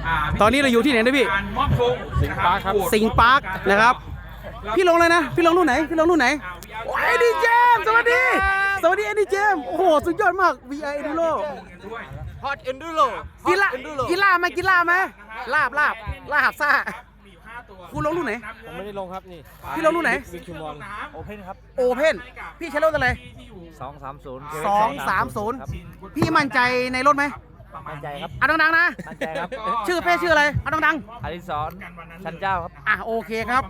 ตอนนี้เราอยู่ที่ไหนนะพี่มอบธงสิงห์ปาร์คครับสิงห์ปาร์คนะครับพี่ลงเลยนะพี่ลงรุ่นไหนพี่ลงรุ่นไหนโอ้ยดีเจมสวัสดีสวัสดีเอ็ดดี้เจมโอ้โหสุดยอดมาก VI Enduro ฮอตเอนดูโรกีฬาไหมลาบซ่าคุณลงรุ่นไหนผมไม่ได้ลงครับนี่พี่ลงรุ่นไหนวิกชูมอนโอเพนครับโอเพนพี่ใช้รถอะไร 230 พี่มั่นใจในรถไหมมั่นใจครับเอาดังๆนะมั่นใจครับชื่อเพศชื่ออะไรเอาดังอดิศรชันเจ้าครับโอเคครับ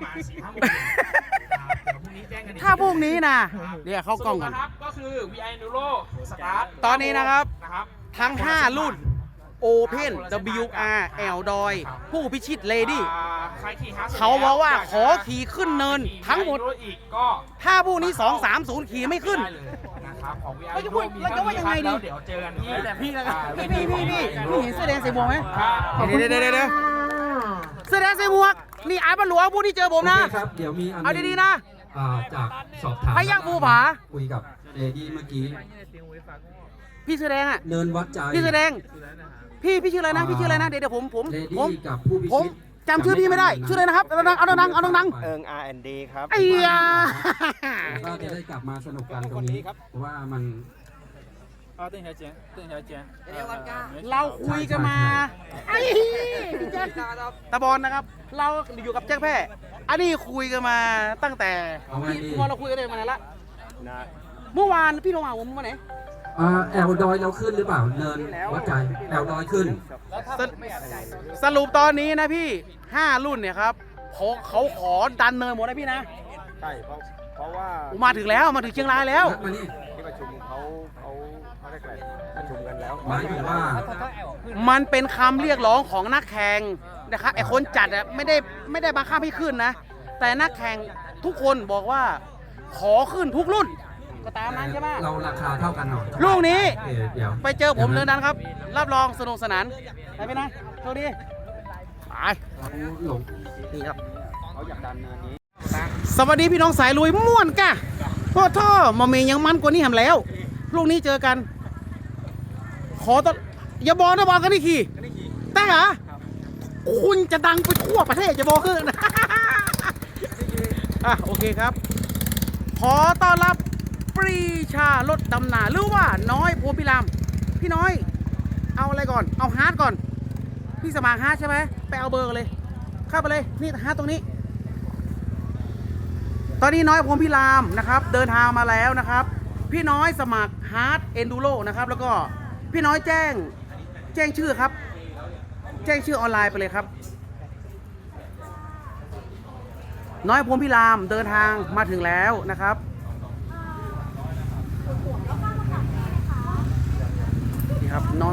ถ้าพวกนี้นะเดี๋ยวเข้ากล้องก่อนก็คือ VI Enduro Start ตอนนี้นะครับทั้ง5รุ่น Open WR แอลดอยผู้พิชิตเลดี้เขาบอกว่าขอขี่ขึ้นเนินทั้งหมดถ้าพวกนี้230ขี่ไม่ขึ้นเราจะพูดเราจะว่ายังไงดีเดี๋ยวเจอกันที่แต่พี่แล้วกันพี่เห็นเสื้อแดงใส่หมวกไหมเดี๋ยวเสื้อแดงใส่หมวกนี่อาร์ตหลวงผู้ที่เจอผมนะครับเดี๋ยวมีเอาดีๆนะจากสอบถามพยัคฆ์ภูผาคุยกับเลดี้เมื่อกี้พี่เสื้อแดงเนินวัดใจพี่เสื้อแดงพี่ชื่ออะไรนะเดี๋ยวผมกับผู้พิชิตจำชื่อพี่ไม่ได้ชื่ออะไรนะครับเอาดัง R&D ครับไอ้ยาก็จะได้กลับมาสนุกกันตรงนี้เพราะว่ามันเราคุยกันมาไอ้พี่แจ๊คตะบอลนะครับเราอยู่กับแจ็คแพ้อันนี้คุยกันมาตั้งแต่พอเราคุยกันมานานละเมื่อวานพี่ลงมาผมมาไหนแอลดอยเราขึ้นหรือเปล่าเนินวัดใจแอลดอยขึ้นสรุปตอนนี้นะพี่5รุ่นเนี่ยครับเขาขอดันเนินหมดนะพี่นะใช่เพราะว่ามาถึงเชียงรายแล้วที่ประชุมเขาได้ประชุมกันแล้วหมายถึงว่ามันเป็นคำเรียกร้องของนักแข่งนะครับไอคนจัดไม่ได้บังคับให้ขึ้นนะแต่นักแข่งทุกคนบอกว่าขอขึ้นทุกรุ่นก็ตามนั้นใช่ไหมเราราคาเท่ากันหน่อยลูกนี้ไปเจอผมเนินนั้นครับรับรองสนุกสนานไปนะโชคดีไปหลงนี่ครับเขาอยากดันเนินนี้สวัสดีพี่น้องสายลุยม่วนกะพ่อท่อมาเมย์ยังมันกว่านี้ทำแล้วลูกนี้เจอกันขอต้อนอย่าบอกนะบอกกันนี่ขี่แต่เหรอคุณจะดังไปทั่วประเทศจะบอกนะโอเคครับขอต้อนรับปรีชารถดำนาหรือว่าน้อยโพพิรามพี่น้อยเอาอะไรก่อนเอาฮาร์ดก่อนพี่สมัครฮาร์ดใช่ไหมไปเอาเบอร์เลยเข้าไปเลยนี่ฮาร์ดตรงนี้ตอนนี้น้อยโพพิรามนะครับเดินทางมาแล้วนะครับพี่น้อยสมัครฮาร์ดเอนดูโรนะครับแล้วก็พี่น้อยแจ้งชื่อครับแจ้งชื่อออนไลน์ไปเลยครับน้อยโพพิรามเดินทางมาถึงแล้วนะครับนี่ครับน้อง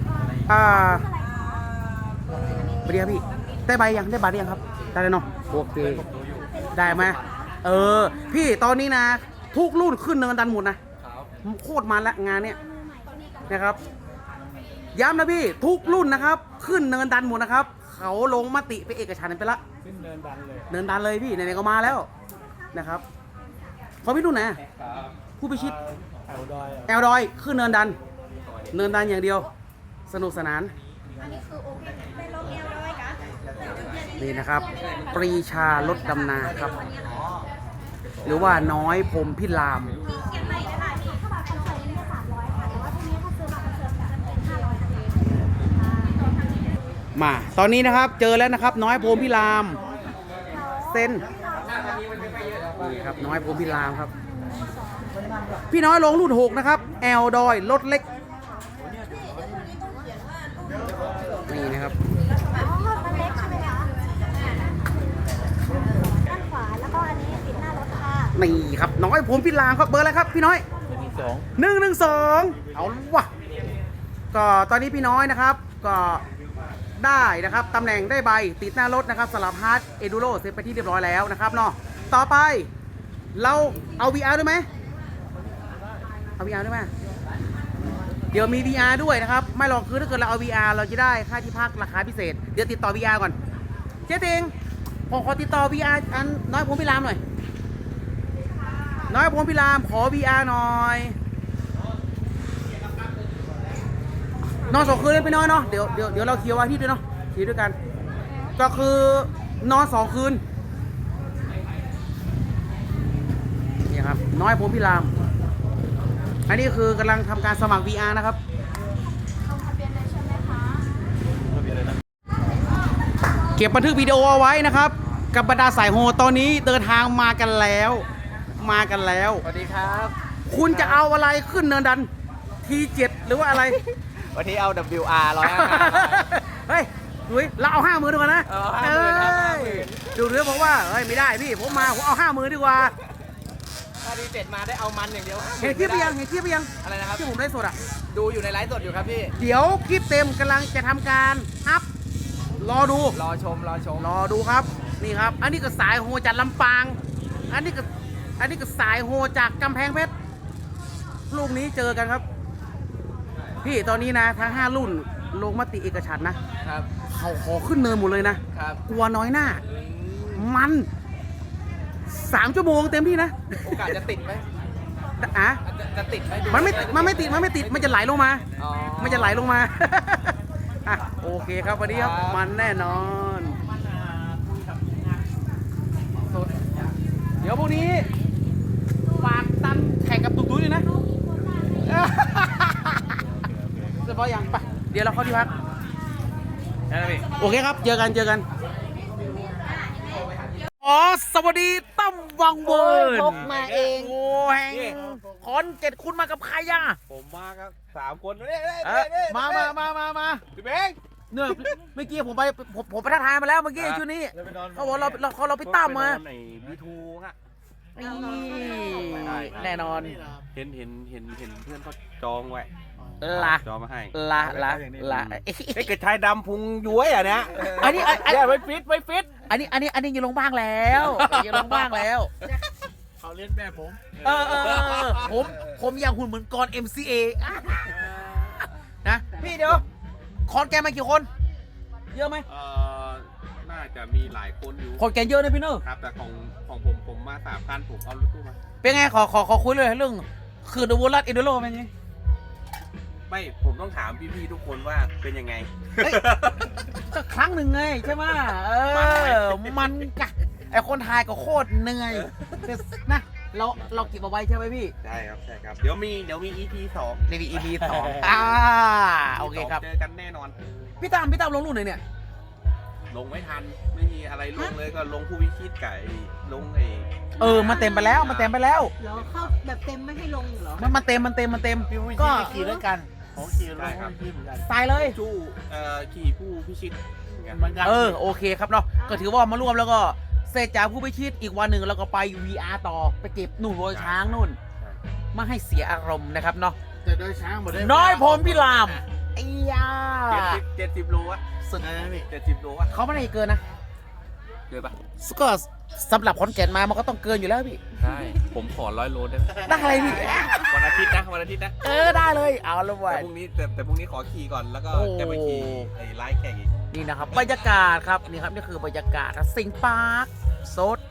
สวัสดีครับพี่ได้ใบยังได้บัตรยังครับได้แล้วเนาะโอเคได้ไหมพี่ตอนนี้นะทุกรุ่นขึ้นเนินดันหมดนะโคตรมันละงานเนี้ยนะครับย้ำนะพี่ทุกรุ่นนะครับขึ้นเนินดันหมดนะครับเขาลงมติไปเอกฉันท์ไปละขึ้นเนินดันเลยพี่ไหนๆก็มาแล้วนะครับขอพี่รุ่นไหนผู้พิชิตแอลดอยขึ้นเนินดันอย่างเดียวสนุกสนานนี่นะครับปรีชารถดำนาครับหรือว่าน้อยพรหมพิรามมาตอนนี้นะครับเจอแล้วนะครับน้อยพรหมพิรามเส้นนี่ครับน้อยพรหมพิรามครับพี่น้อยลงรุ่น6นะครับแอลดอยรถเล็กนี่นะครับนี่ครับน้อยผมพิรามครับเบอร์อะไรครับพี่น้อย112เอาวะก็ตอนนี้พี่น้อยนะครับก็ได้นะครับตำแหน่งได้ใบติดหน้ารถนะครับสำหรับฮาร์ดเอดูโรเสร็จไปที่เรียบร้อยแล้วนะครับเนาะต่อไปเราเอา VR ด้วยไหมเอา VR ด้วยไหมเดี๋ยวมี VR ด้วยนะครับไม่หรอกคือถ้าเกิดเราเอา VR เราจะได้ค่าที่พักราคาพิเศษเดี๋ยวติดต่อ VR ก่อนเจ๊ติงผมขอติดต่อ VR อันน้อยผมพิรามหน่อยน้อยผมพิรามขอ VR หน่อยนอน2 คืนเลยไปน้อยเนาะเดี๋ยวเราเคลียร์วันที่ด้วยเนาะขี่ด้วยกัน ก็คือนอน2 คืนนี่ครับน้อยผมพี่ราม อันนี้คือกำลังทำการสมัคร VR นะครับเก็บบันทึกวิดีโอเอาไว้นะครับ กับบรรดาสายโฮตอนนี้เดินทางมากันแล้วสวัสดีครับคุณจะเอาอะไรขึ้นเนินดัน T7 หรือว่าอะไรวันนี้เอา WR 155 เฮ้ยดุยเราเอา50,000ดีกว่านะเอา50,000ครับเอ้ยดูเรือบอกว่าเฮ้ยไม่ได้พี่ผมเอา50,000ดีกว่าถ้าดีเจ็ดมาได้เอามันอย่างเดียวเห็นคลิปไปยังอะไรนะครับที่ผมได้สดอ่ะดูอยู่ในไลฟ์สดอยู่ครับพี่เดี๋ยวคลิปเต็มกำลังจะทำการอัพรอดูรอชมรอดูครับนี่ครับ อันนี้ก็สายโฮจากลำปาง อันนี้ก็สายโฮจากกำแพงเพชรลูกนี้เจอกันครับ พี่ตอนนี้นะทั้ง5รุ่นลงมติเอกฉันท์นะครับ เขาขอขึ้นเนินหมดเลยนะครับ กลัวน้อยหน้า มัน3 ชั่วโมงเต็มที่นะโอกาสจะติดไหมอ่ะจะติดไหมดูมันไม่ติดมันจะไหลลงมาอ๋อมันจะไหลลงมา อ่ะโอเคครับวันนี้ครับครับมันแน่นอน เดี๋ยวพวกนี้ฝากตันแข่งกับตุ๊กตุ้ยเลยนะ เรียบร้อยยังไปเดี๋ยวเราเข้าที่พักได้แล้วพี่โอเคครับ เจอกัน อ๋อ สวัสดีตั้มวังเวิร์นพกมาเองโอ้แห่งคอน7คุณมากับใครอ่ะผมมาครับ3 คนเนี่ยมาพี่เบงเนี่ยเมื่อกี้ผมไปทักทายมาแล้วเมื่อกี้ชุดนี้เขาบอกเราไปตั้มมาในบีทูฮะนี่แน่นอนเห็นเพื่อนเขาจองไว้ละจองมาให้ละไอ้กระชายดำพุงย้วยอ่ะเนี่ยอันนี้ไม่ฟิตอันนี้อยู่ลงบ้างแล้วอยู่ลงบ้างแล้วเขาเล่นแบบผมผมอยากหุ่นเหมือนกร MCA นะพี่เดี๋ยวคอนแกนมากี่คน เยอะไหมน่าจะมีหลายคนอยู่คอนแกนเยอะนะพี่เนอะครับแต่ของผมมา3,000ผมเอารถตู้มาเป็นไงขอคุยเลยเรื่องคือดูวอลลัสอินโดโรเป็นไงไม่ผมต้องถามพี่ๆทุกคนว่าเป็นยังไงก็ครั้งหนึ่งไงใช่ไหมมันกะไอคนไทยก็โคตรเหนื่อยแต่นะเราเก็บเอาไว้ใช่ไหมพี่ใช่ครับ เดี๋ยวมี EP 2 ใน EP 2โอเคครับเจอกันแน่นอนพี่ตามลงรุ่นไหนเนี่ยลงไม่ทันไม่มีอะไรลงเลยก็ลงผู้วิชิตไก่ลงไอ้มันเต็มไปแล้วเหรอเข้าแบบเต็มไม่ให้ลงเหรอมันเต็มก็ขี่ด้วยกันของขี่ลงขี่เหมือนกันตายเลยชู้ขี่ผู้พิชิตเหมือนกันเหมือนกันโอเคครับเนาะก็ถือว่ามาร่วมแล้วก็เสร็จจากผู้พิชิตอีกวันหนึ่งเราก็ไป VR ต่อไปเก็บหนุ่นโรยช้างนู่นไม่ให้เสียอารมณ์นะครับเนาะแต่โดยช้างหมดเลยน้อยผมพี่รามไอ้ยา 70 โลอะสุดอะไรนะพี่ 70 โลอะเขาไม่ได้เกินนะเกินปะก็สำหรับคอนแก่นมามันก็ต้องเกินอยู่แล้วพี่ใช่ผมขอ100 โลได้ไหมได้อะไรพี่วันอาทิตย์นะได้เลยเอาละเว้แต่ยพรุ่งนี้แต่พรุ่งนี้ขอขี่ก่อนแล้วก็โอ้จะไปขี่ไอ้ไลฟ์แข่งอีกนี่นะครับบรรยากาศครับนี่ครับนี่คือบรรยากาศสิงห์ปาร์คโซด